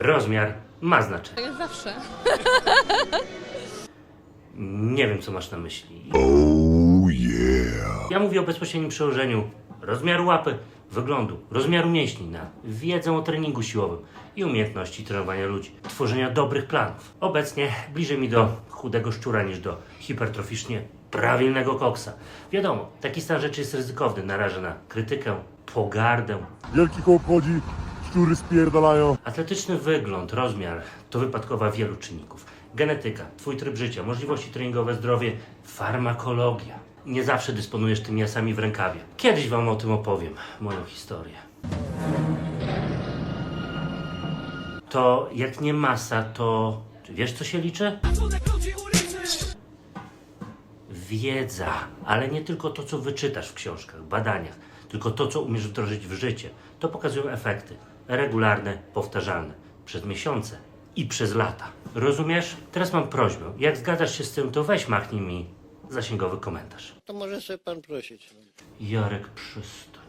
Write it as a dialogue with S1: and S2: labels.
S1: Rozmiar ma znaczenie.
S2: Tak jest zawsze.
S1: Nie wiem, co masz na myśli.
S3: Oh yeah.
S1: Ja mówię o bezpośrednim przełożeniu rozmiaru łapy, wyglądu, rozmiaru mięśni na wiedzę o treningu siłowym i umiejętności trenowania ludzi, tworzenia dobrych planów. Obecnie bliżej mi do chudego szczura niż do hipertroficznie prawilnego koksa. Wiadomo, taki stan rzeczy jest ryzykowny, naraża na krytykę, pogardę.
S3: Wielki koło obchodzi, szczury spierdalają.
S1: Atletyczny wygląd, rozmiar to wypadkowa wielu czynników. Genetyka, twój tryb życia, możliwości treningowe, zdrowie, farmakologia. Nie zawsze dysponujesz tymi asami w rękawie. Kiedyś wam o tym opowiem, moją historię. To jak nie masa, to... Czy wiesz, co się liczy? Wiedza, ale nie tylko to, co wyczytasz w książkach, badaniach, tylko to, co umiesz wdrożyć w życie. To pokazują efekty. Regularne, powtarzalne. Przez miesiące i przez lata. Rozumiesz? Teraz mam prośbę. Jak zgadzasz się z tym, to weź machnij mi zasięgowy komentarz.
S4: To może sobie pan prosić.
S1: Jarek, przestań.